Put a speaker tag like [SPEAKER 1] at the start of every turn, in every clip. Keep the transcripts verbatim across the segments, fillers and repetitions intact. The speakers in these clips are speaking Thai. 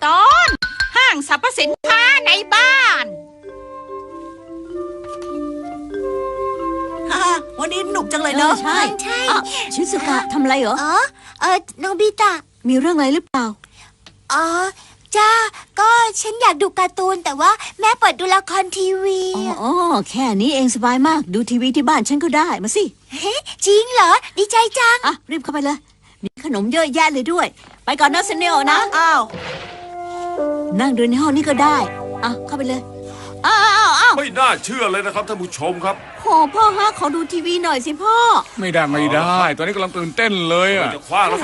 [SPEAKER 1] ตอนห้างสรรพสินค้าในบ้าน
[SPEAKER 2] ฮ่าวันนี้หนุกจังเลยเนอะ
[SPEAKER 3] ใช่ใช่ชิซุกะทำอะไรเหรอ
[SPEAKER 4] อ๋อเออโนบิตะ
[SPEAKER 3] มีเรื่องอะไรหรือเปล่า
[SPEAKER 4] อ๋อจ้าก็ฉันอยากดูการ์ตูนแต่ว่าแม่เปิดดูละครทีวี
[SPEAKER 3] อ๋อแค่นี้เองสบายมากดูทีวีที่บ้านฉันก็ได้มาสิ
[SPEAKER 4] เฮ้จริงเหรอดีใจจัง
[SPEAKER 3] อ่ะรีบเข้าไปเลยมีขนมเยอะแยะเลยด้วย ไปก่อนนะเซเนโอนะ
[SPEAKER 2] อ้าว
[SPEAKER 3] นั่งดูในห้องนี้ก็ได้อ่ะเข้าไปเลยอ้าวอ้าวอ้าว
[SPEAKER 5] ไม่น่าเชื่อเลยนะครับท่านผู้ชมครับ
[SPEAKER 3] โหพ่อฮะขอดูทีวีหน่อยสิพ่อ
[SPEAKER 6] ไม่ได้ไม่ได้ ตอนนี้กำลังตื่นเต้นเลยอ่ะ
[SPEAKER 5] จะคว้างแล้วค
[SPEAKER 3] โอ้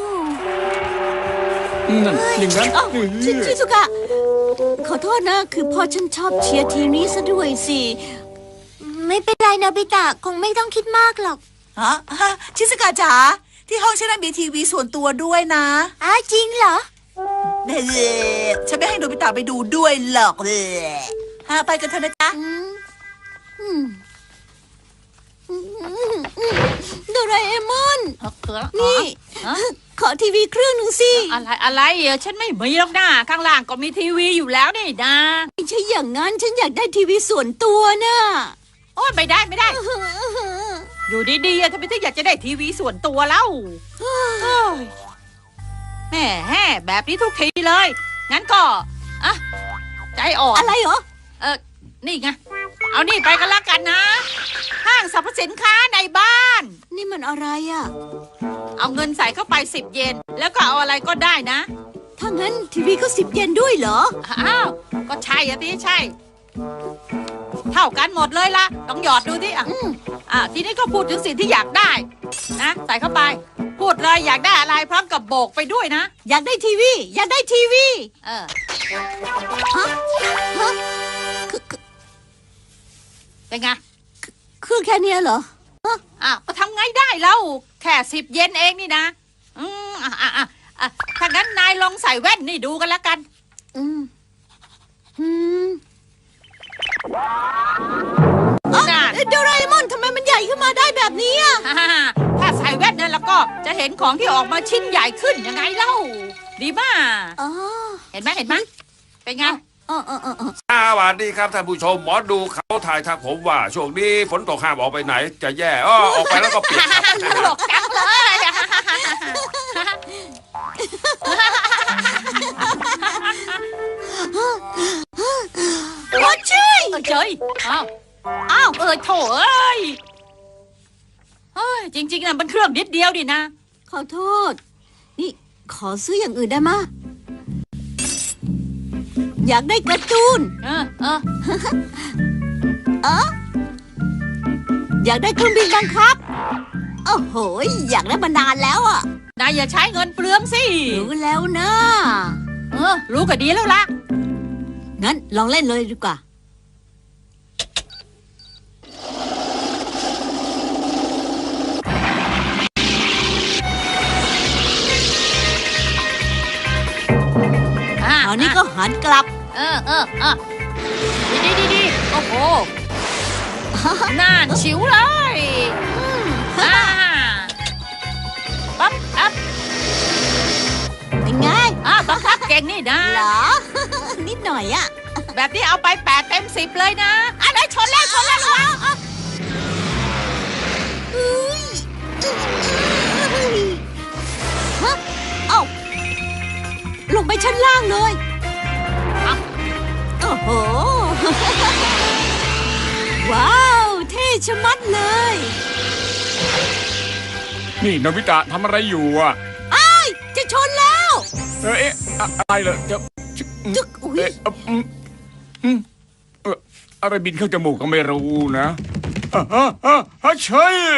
[SPEAKER 5] รับ
[SPEAKER 6] นั่นอย่างนั้น
[SPEAKER 3] เอ้าชิชิซุกะขอโทษนะคือพ่อฉันชอบเชียร์ทีมนี้ซะด้วยสิ
[SPEAKER 4] ไม่เป็นไรโนบิตะคงไม่ต้องคิดมากหรอก
[SPEAKER 2] ฮะฮะชิสกาจ๋าที่ห้องฉันมีทีวีส่วนตัวด้วยนะ
[SPEAKER 4] อ้าวจริงเหรอ
[SPEAKER 2] เฮ้ฉันไม่ให้โนบิตะไปดูด้วยหรอกเลยฮะไปกันเถอะนะจ๊ะ
[SPEAKER 3] อืมอืมอืมอืมอืมโดราเอมอน นี่
[SPEAKER 1] ฮะ
[SPEAKER 3] ขอทีวีเครื่องหนึ่งสิ
[SPEAKER 1] อะไรอะไรเออฉันไม่มีหรอกนะข้างล่างก็มีทีวีอยู่แล้วนี่นะ
[SPEAKER 3] ไม่ใช่อย่างนั้นฉันอยากได้ทีวีส่วนตัวน่ะ
[SPEAKER 1] โอ้ยไม่ได้ไม่ได้ อยู่ดีๆอะทำไมถึงอยากจะได้ทีวีส่วนตัวเล่าเอ้ยแหม่แห่แบบนี้ทุกทีเลย งั้นก็อะใจอ่อน
[SPEAKER 3] อะไรเหรอ
[SPEAKER 1] เออนี่ไง เอานี่ไปกันละกันนะ ห้างสรรพสินค้าในบ้าน
[SPEAKER 3] นี่มันอะไรอ่ะ
[SPEAKER 1] เอาเงินใส่เข้าไปสิบเยน แล้วก็เอาอะไรก็ได้นะ
[SPEAKER 3] ถ้างั้นทีวีก็สิบเยนด้วยเหรอ
[SPEAKER 1] อ้าว ก็ใช่อะที่ใช่ เท่ากันหมดเลยละต้องหยอดดูที่อ่ะ
[SPEAKER 3] อืม
[SPEAKER 1] อ่ะทีนี้ก็พูดถึงสิ่งที่อยากได้นะใส่เข้าไป พูดเลยอยากได้อะไรพร้อมกับโบกไปด้วยนะ
[SPEAKER 3] อยากได้ทีวี อยากได้ทีวี
[SPEAKER 1] เออ
[SPEAKER 3] ฮะฮะคือคือ
[SPEAKER 1] เป็นไง
[SPEAKER 3] คือแค่เนี้ยเหรอ
[SPEAKER 1] อ้าวก็ทำไงได้เล่าแค่สิบเยนเองนี่นะอืมอ่ะอ่ะอ่ะอ่ะถ้างั้นนายลองใส่แว่นนี่ดูกันละกัน
[SPEAKER 3] อืมอืม
[SPEAKER 1] น่ะ
[SPEAKER 3] เอ๊ะโดราเอมอนทำไมมันใหญ่ขึ้นมาได้แบบนี้อ่ะ
[SPEAKER 1] ฮ่าฮ่าถ้าใส่แว่นนั่นแล้วก็จะเห็นของที่ออกมาชิ้นใหญ่ขึ้นยังไงเล่า ดีมาก
[SPEAKER 3] อ๋อ
[SPEAKER 1] เห็นไหมเห็นไหมเป็นไง
[SPEAKER 3] อ๋ออ๋ออ๋ออ๋อ
[SPEAKER 5] สวัสดีครับท่านผู้ชมหมอดูเขาถ่ายทักผมว่าช่วงนี้ฝนตกห้ามออกไปไหน จะแย่อ้อออกไปแล้วก็เปียกครับ
[SPEAKER 1] ตลกจังเลย
[SPEAKER 3] วัดช่วย
[SPEAKER 1] เออเจยอ้าวอ้าวเออโถเอ้ยเฮ้ยจริงๆนะมันเครื่องนิดเดียวดินะ
[SPEAKER 3] ขอโทษ นี่ขอซื้ออย่างอื่นได้มะอยากได้การ์ตูน
[SPEAKER 1] เออเออ
[SPEAKER 3] เอออยากได้เครื่องบินบังคับ โอ้โห อยากได้มานานแล้วอ่ะ
[SPEAKER 1] นายอย่าใช้เงินเปลืองสิ
[SPEAKER 3] รู้แล้วนะ
[SPEAKER 1] เออ รู้ก็ดีแล้วล่ะ
[SPEAKER 3] งั้นลองเล่นเลยดีกว่า
[SPEAKER 1] อ่า
[SPEAKER 3] คราวนี้ก็หันกลับ
[SPEAKER 1] เออเออเออดีดีดีดีโอ้โหน่านชิวเลยอ่าปั๊บอัพ
[SPEAKER 3] เป็นไง
[SPEAKER 1] อ่าบังคับเก่งนี่นะ
[SPEAKER 3] เหรอ นิดหน่อยอ่ะ
[SPEAKER 1] แบบนี้เอาไปแปดเต็มสิบเลยนะอ่ะไหนชนแล้วชนแล้วระวัง
[SPEAKER 3] เฮ้ยฮะเอ้าลงไปชั้นล่างเลยโอ้โห ว้าว เท่ชะมัดเลย
[SPEAKER 6] นี่โนบิตะทำอะไรอยู่อ่ะ
[SPEAKER 3] อ้ายจะชนแล้ว
[SPEAKER 6] เออเอ๊ะอะอะไรเหรอจะ
[SPEAKER 3] จึกอุ๊ย
[SPEAKER 6] เอ๊ะเอ่ออืมอืมเอ่ออะไรบินเข้าจมูกก็ไม่รู้นะอ่ะฮะฮะฮะใช่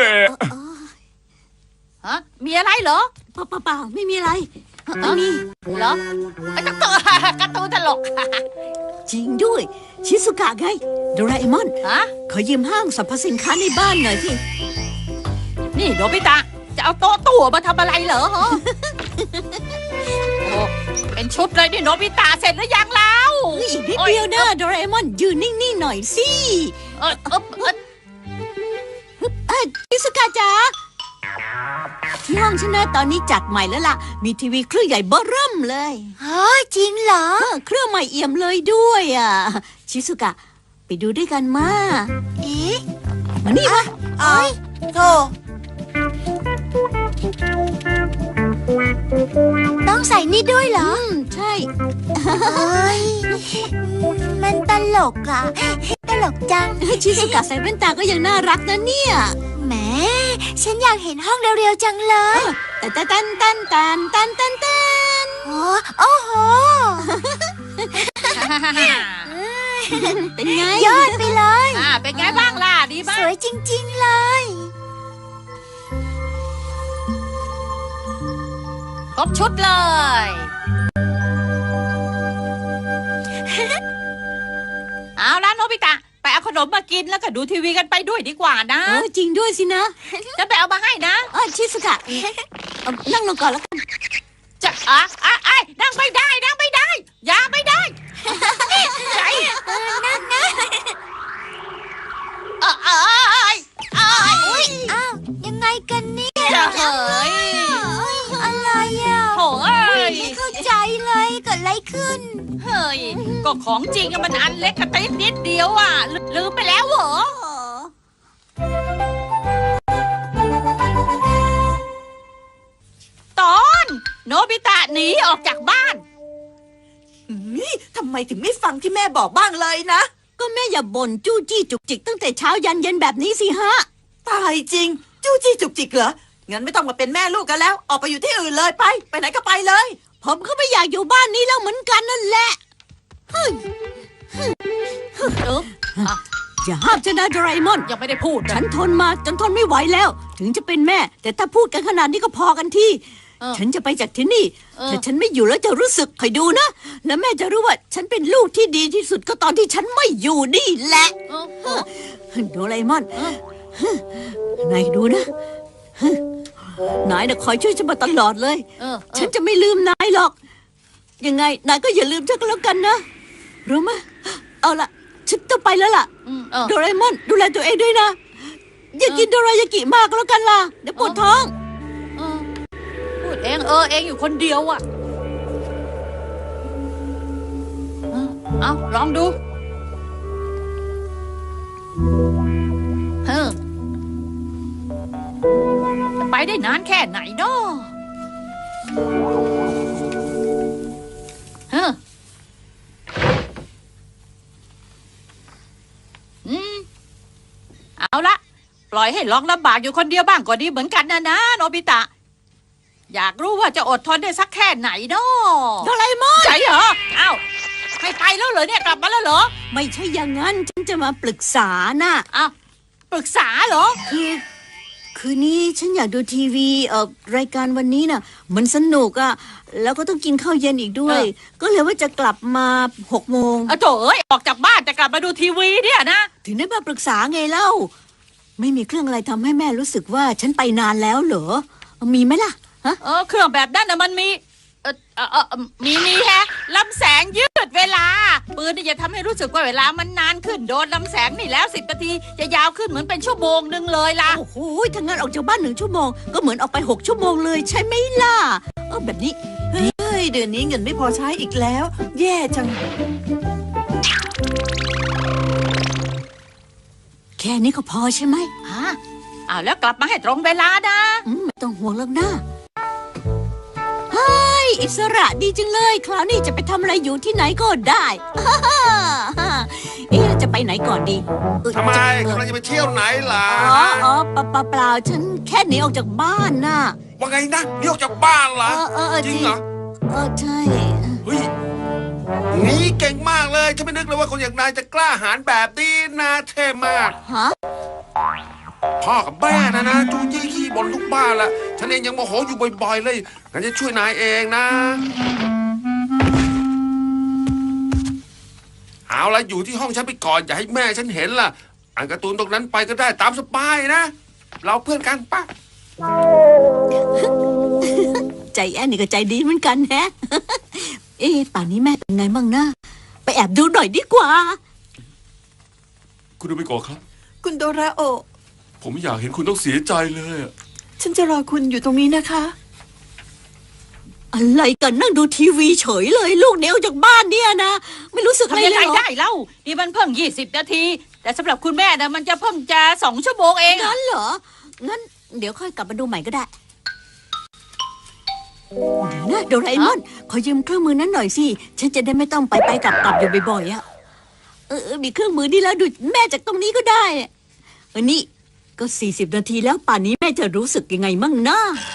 [SPEAKER 1] ฮะมีอะไรเหรอ
[SPEAKER 3] เปล่าเปล่าเปล่าไม่มีอะไรไม่มี
[SPEAKER 1] เหรอไอ้การ์ตูนการ์ตูนตลก
[SPEAKER 3] จริงด้วย ชิสุกะไงโดราเอมอน
[SPEAKER 1] ฮะ
[SPEAKER 3] ขอยืมห้างสรรพสินค้าในบ้านหน่อยสิ
[SPEAKER 1] นี่โนบิตะจะเอาโต๊ะตู้มาทำอะไรเหรอฮะโอ้เป็นชุดเลยนี่โนบิตะเสร็จหรือยังแล้ว
[SPEAKER 3] อีกนิดเดียวนะโดราเอมอนยืนนิ่งๆหน่อยสิ
[SPEAKER 1] เออเออเออ
[SPEAKER 3] เอ้ยชิสุกะจ๋าที่ห้องฉันนะตอนนี้จัดใหม่แล้วล่ะ มีทีวีเครื่องใหญ่เบ้อเริ่มเลย
[SPEAKER 4] เฮ้ยจริงเหรอ
[SPEAKER 3] เออเครื่องใหม่เอี่ยมเลยด้วยอ่ะ ชิสุกะ ไปดูด้วยกันมา
[SPEAKER 4] เอ๊ะ
[SPEAKER 3] มานี่มา
[SPEAKER 2] เอ้ยโธ่
[SPEAKER 4] ต้องใส่นี่ด้วยเหรอ
[SPEAKER 3] อืมใช่
[SPEAKER 4] เอ้ยมันตลกอะตลกจัง
[SPEAKER 3] ชิสุกะใส่แว่นตาก็ยังน่ารักนะเนี่ย
[SPEAKER 4] แหมฉันอยากเห็นห้องเร็วๆจังเลย
[SPEAKER 3] ตันตันตันตันตันตันตัน
[SPEAKER 4] โอ้โอ้โห
[SPEAKER 3] เป็นไง
[SPEAKER 4] ยอดไปเลย
[SPEAKER 1] อ่าเป็นไงบ้างล่ะ ดีบ้า
[SPEAKER 4] ส
[SPEAKER 1] ง
[SPEAKER 4] วยจริงๆเลย
[SPEAKER 1] ครบชุดเลย เอาละโนบิตะ ไปเอาขนมมากินแล้วก็ดูทีวีกันไปด้วยดีกว่านะ
[SPEAKER 3] เออจริงด้วยสินะ
[SPEAKER 1] จะไปเอามาให้นะ
[SPEAKER 3] เออชิสุกะเอานั่งลงก่อนแล้วกัน
[SPEAKER 1] จะอ่ะอ่ะไอ้ยนั่งไม่ได้นั่งไม่ได้ อย่าไม่ได้ใจนั่งนะเออเออเอยเอย
[SPEAKER 4] อ้าว ยังไงกันเนี่ย
[SPEAKER 1] จะเฮ้ย
[SPEAKER 4] อะไรอ่ะ
[SPEAKER 1] โถ่เอ้ย
[SPEAKER 4] ไม่เข้าใจเลยเกิดอะไรขึ้น
[SPEAKER 1] เฮ้ย ก็ของจริงอะมันอันเล็กกระติ๊บนิดเดียวอ่ะลืลืมไปแล้วเหรอ ตอนโนบิตะหนีออกจากบ้าน
[SPEAKER 2] นี่ทำไมถึงไม่ฟังที่แม่บอกบ้างเลยนะ
[SPEAKER 3] ก็แม่อย่าบ่นจู้จี้จุกจิกตั้งแต่เช้ายันเย็นแบบนี้สิฮะ
[SPEAKER 2] ตายจริง จู้จี้จุกจิกเหรอ งั้นไม่ต้องมาเป็นแม่ลูกกันแล้ว ออกไปอยู่ที่อื่นเลยไป ไปไหนก็ไปเลย
[SPEAKER 3] ผมก็ไม่อยากอยู่บ้านนี้แล้วเหมือนกันนั่นแหละ
[SPEAKER 1] เอออ่ะ
[SPEAKER 3] อย่าห้ามฉันนะโดราเอมอน
[SPEAKER 1] ยังไม่ได้พูด
[SPEAKER 3] ฉั
[SPEAKER 1] นะ
[SPEAKER 3] นทนมาจนทนไม่ไหวแล้ว ถึงจะเป็นแม่ แต่ถ้าพูดกันขนาดนี้ก็พอกันที่
[SPEAKER 1] เออ
[SPEAKER 3] ฉันจะไปจากที่นี่
[SPEAKER 1] เออ
[SPEAKER 3] ถ้าฉันไม่อยู่แล้วจะรู้สึกคอยดูนะ แล้วแม่จะรู้ว่า ฉันเป็นลูกที่ดีที่สุดก็ตอนที่ฉันไม่อยู่นี่แหละ
[SPEAKER 1] เออเออ
[SPEAKER 3] โดราเอมอน
[SPEAKER 1] เออ
[SPEAKER 3] นายดูนะนายน่ะคอยช่วยฉันมาตลอดเลย
[SPEAKER 1] เออ
[SPEAKER 3] ฉันจะไม่ลืมนายหรอก ยังไงนายก็อย่าลืมฉันก็แล้วกันนะ รู้ไหมเอาละฉันต้องไปแล้วล่ะ
[SPEAKER 1] อืมเออ
[SPEAKER 3] โดราเอมอนดูแลตัวเองด้วยนะ อย่ากินโดรายากิมากแล้วกันล่ะ เดี๋ยวปวดท้อง
[SPEAKER 1] เออพูดเองเออเองอยู่คนเดียวอ่ะเออเอาลองดูเออจะไปได้นานแค่ไหนเนาะเอออืมเอาละปล่อยให้ลองลำบากอยู่คนเดียวบ้างก็ดีเหมือนกันนะนะโนบิตะ อยากรู้ว่าจะอดทนได้สักแค่ไหนเนาะ
[SPEAKER 3] โดราเอมอน
[SPEAKER 1] ใจเหรออ้าวให้ไปแล้วเหรอเนี่ยกลับมาแล้วเหรอ
[SPEAKER 3] ไม่ใช่อย่างนั้น ฉันจะมาปรึกษาน่ะ
[SPEAKER 1] อ้าวปรึกษาเหรอ
[SPEAKER 3] คือ คืนนี้ฉันอยากดูทีวีเอ่อรายการวันนี้น่ะ มันสนุกอ่ะ แล้วก็ต้องกินข้าวเย็นอีกด้วย
[SPEAKER 1] เออ
[SPEAKER 3] ก็เลยว่าจะกลับมาหกโมง
[SPEAKER 1] อะโถเอ้ยออกจากบ้านจะกลับมาดูทีวีเนี่ยนะ
[SPEAKER 3] ถึงได้มาปรึกษาไงเล่า ไม่มีเครื่องอะไรทำให้แม่รู้สึกว่าฉันไปนานแล้วเหรอ มีไหมล่ะ ฮะ
[SPEAKER 1] เออเครื่องแบบนั้นนะมันมีเออเออเออเออมีมีแฮะลำแสงยืดเวลาปืนนี่จะทำให้รู้สึกว่าเวลามันนานขึ้นโดนลำแสงนี่แล้วสิบนาทีจะยาวขึ้นเหมือนเป็นชั่วโมงหนึ่งเลยล่ะ
[SPEAKER 3] โอ้โหถ้างั้นออกจากบ้านหนึ่งชั่วโมง ก็เหมือนออกไปหกชั่วโมงเลยใช่ไหมล่ะ เออแบบนี้
[SPEAKER 2] เฮ้ย เดือนนี้เงินไม่พอใช้อีกแล้ว แย่จัง
[SPEAKER 3] แค่นี้ก็พอใช่ไหม
[SPEAKER 1] อ่าอ้าวแล้วกลับมาให้ตรงเวลานะ
[SPEAKER 3] อืมไม่ต้องห่วงแล้วนะเฮ้ยอิสระดีจังเลย คราวนี้จะไปทำอะไรอยู่ที่ไหนก็ได้ เอ๊ะจะไปไหนก่อนดีเอ้ย
[SPEAKER 5] ทำไม
[SPEAKER 3] จะ
[SPEAKER 5] กำลังจะไปเที่ยวไหนล่ะ
[SPEAKER 3] อ๋ออ๋อเปล่าเปล่าเปล่าฉันแค่หนีออกจากบ้านน่ะ
[SPEAKER 5] ว่าไงนะนี่ออกจากบ้านเหร
[SPEAKER 3] เอ
[SPEAKER 5] อ
[SPEAKER 3] อเออเออ
[SPEAKER 5] จริงเหรอ
[SPEAKER 3] เออใช่
[SPEAKER 5] เฮ้ยนี่เก่งมากเลยฉันไม่นึกเลยว่าคนอย่างนายจะกล้าหาญแบบนี้นะเท่มาก
[SPEAKER 3] ฮะ
[SPEAKER 5] พ่อกับแม่นะนะจู้จี้ขี้บ่นทุกบ้านละฉันเองยังโมโหอยู่บ่อยๆเลยงั้นจะช่วยนายเองนะ เอาละอยู่ที่ห้องฉันไปก่อนอย่าให้แม่ฉันเห็นล่ะอ่านการ์ตูนตรงนั้นไปก็ได้ตามสบายนะ เราเพื่อนกันปะ
[SPEAKER 3] ใจแอนนี่ก็ใจดีเหมือนกันแฮะ เอ๊ะป่านนี้แม่เป็นไงบ้างนะ ไปแอบดูหน่อยดีกว่า
[SPEAKER 5] คุณดูไปก่อนครับ
[SPEAKER 2] คุณโดราโอะ
[SPEAKER 5] ผมไม่อยากเห็นคุณต้องเสียใจเลยอะ
[SPEAKER 2] ฉันจะรอคุณอยู่ตรงนี้นะคะ
[SPEAKER 3] อะไรกันนั่งดูทีวีเฉยเลย ลูกเหนียวจากบ้านเนี่ยนะ ไม่รู้สึกอะไร
[SPEAKER 1] ทำยัง
[SPEAKER 3] เล
[SPEAKER 1] ไง
[SPEAKER 3] ยเหรอ
[SPEAKER 1] ได้เล่านี่มันเพิ่งยี่สิบนาที แต่สำหรับคุณแม่นะมันจะเพิ่งจะสองชั่วโมงเองอะ
[SPEAKER 3] งั้นเหรอ งั้นเดี๋ยวค่อยกลับมาดูใหม่ก็ได้เดี๋ยวนะโดราเอมอนขอยืมเครื่องมือนั้นหน่อยสิ ฉันจะได้ไม่ต้องไปไปกลับกลับอยู่บ่อยๆอะเออเออมีเครื่องมือนี่แล้วดูแม่จากตรงนี้ก็ได้อะเออนี่ก็สี่สิบนาทีแล้วป่านนี้แม่จะรู้สึกยังไงมั่งนะ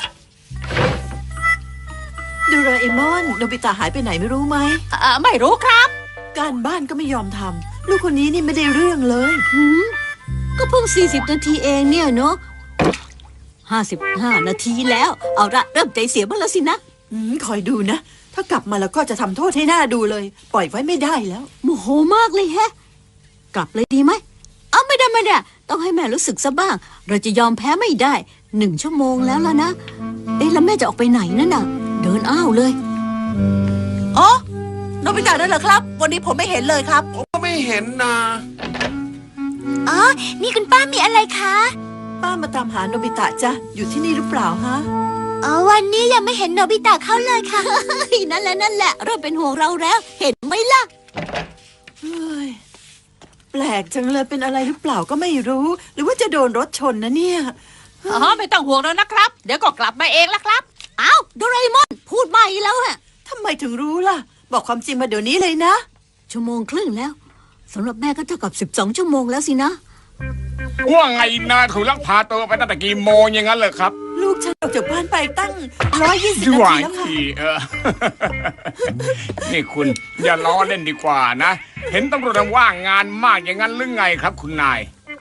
[SPEAKER 2] โดราเอมอนโนบิตะหายไปไหนไม่รู้ไหม
[SPEAKER 1] อ่าไม่รู้ครับ
[SPEAKER 2] การบ้านก็ไม่ยอมทำลูกคนนี้นี่ไม่ได้เรื่องเลย
[SPEAKER 3] หืมก็เพิ่งสี่สิบนาทีเองเนี่ยเนาะห้าสิบห้านาทีแล้ว เอาละเริ่มใจเสียบ้างแล้วสินะ
[SPEAKER 2] อืมคอยดูนะ ถ้ากลับมาแล้วก็จะทำโทษให้หน้าดูเลย ปล่อยไว้ไม่ได้แล้ว
[SPEAKER 3] โมโหมากเลยแฮะ กลับเลยดีไหมเอาไม่ได้ไม่ได้ต้องให้แม่รู้สึกซะบ้าง เราจะยอมแพ้ไม่ได้หนึ่งชั่วโมงแล้วล่ะนะ เอ๊ะแล้วแม่จะออกไปไหนนั่นน่ะ เดินอ้าวเลย
[SPEAKER 2] อ๋อโนบิตะนั่นเหรอครับ วันนี้ผมไม่เห็นเลยครับ
[SPEAKER 5] ผมก็ไม่เห็นนะ
[SPEAKER 4] อ๋อ นี่คุณป้ามีอะไรคะ
[SPEAKER 2] ป้ามาตามหาโนบิตะจ้ะอยู่ที่นี่หรือเปล่าฮะ
[SPEAKER 4] อ๋อ วันนี้ยังไม่เห็นโนบิตะเข้าเลยค่ะ
[SPEAKER 3] นั่นแหละนั่นแหละเริ่มเป็นห่วงเราแล้ว เห็นไหมล่ะ
[SPEAKER 2] เฮ้ยแปลกจังเลยเป็นอะไรหรือเปล่าก็ไม่รู้ หรือว่าจะโดนรถชนนะเนี่ย
[SPEAKER 1] อ๋อไม่ต้องห่วงแล้วนะครับ เดี๋ยวก็กลับมาเองละครับ
[SPEAKER 3] อ้าวโดราเอมอนพูดใหม่แล้วฮะ
[SPEAKER 2] ทำไมถึงรู้ล่ะ บอกความจริงมาเดี๋ยวนี้เลยนะ
[SPEAKER 3] ชั่วโมงครึ่งแล้วสำหรับแม่ก็เท่ากับสิบสองชั่วโมงแล้วสินะ
[SPEAKER 6] ว่าไงนะถูกลักพาตัวไปตั้งแต่กี่โมงอย่างนั้นเลยครับ
[SPEAKER 2] ลูกฉันออกจากบ้านไปตั้งร้อยยี่สิบ
[SPEAKER 6] ห
[SPEAKER 2] นา
[SPEAKER 6] วา
[SPEAKER 2] ที
[SPEAKER 6] ย
[SPEAKER 2] แล้วค่ะ
[SPEAKER 6] ทีเออ นี่คุณอย่าล้อเล่นดีกว่านะ เห็นตำรวจว่างงานมากอย่างนั้นหรือไงครับคุณนาย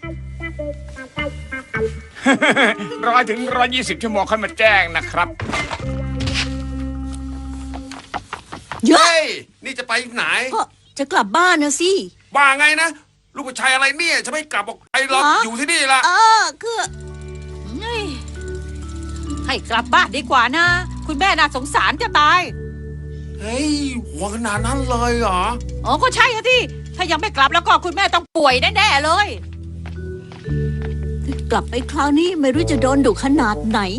[SPEAKER 6] ร้อยถึงร้อยยี่สิบชั่วโมงค่อยมาแจ้งนะครับ
[SPEAKER 3] เยอะ
[SPEAKER 5] เฮ้ย นี่จะไปไหน
[SPEAKER 3] ก็จะกลับบ้านนะสิ
[SPEAKER 5] ว่าไงนะ ลูกผู้ชายอะไรเนี่ย จะไม่กลับออกไปหรอก
[SPEAKER 3] ฮะ
[SPEAKER 5] อยู่ที่นี่ละ
[SPEAKER 3] เออคือ
[SPEAKER 1] เฮ้ยให้กลับบ้านดีกว่านะ คุณแม่น่าสงสารจะตาย
[SPEAKER 5] เฮ้ยหัวขนาดนั้นเลยเหรอ
[SPEAKER 1] อ๋อก็ใช่อะที่ถ้ายังไม่กลับแล้วก็คุณแม่ต้องป่วยแน่ๆเลย
[SPEAKER 3] กลับไปคราวนี้ไม่รู้จะโดนดุขนาดไหน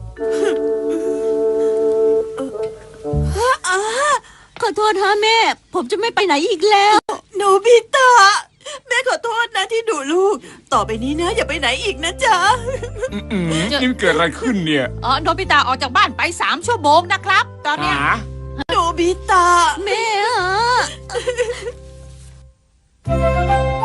[SPEAKER 3] ขอโทษฮะแม่ ผมจะไม่ไปไหนอีกแล้ว
[SPEAKER 2] โนบิตะแม่ขอโทษนะที่ดุลูก ต่อไปนี้นะ อย่าไปไหนอีกนะจ๊ะ
[SPEAKER 6] อืมๆนี่มันเกิดอะไรขึ้นเนี่ย
[SPEAKER 1] อ๋อโนบิตะออกจากบ้านไปสามชั่วโมงนะครับ ตอนเนี้ย
[SPEAKER 6] หา
[SPEAKER 2] โนบิตะ
[SPEAKER 3] แม่ฮะ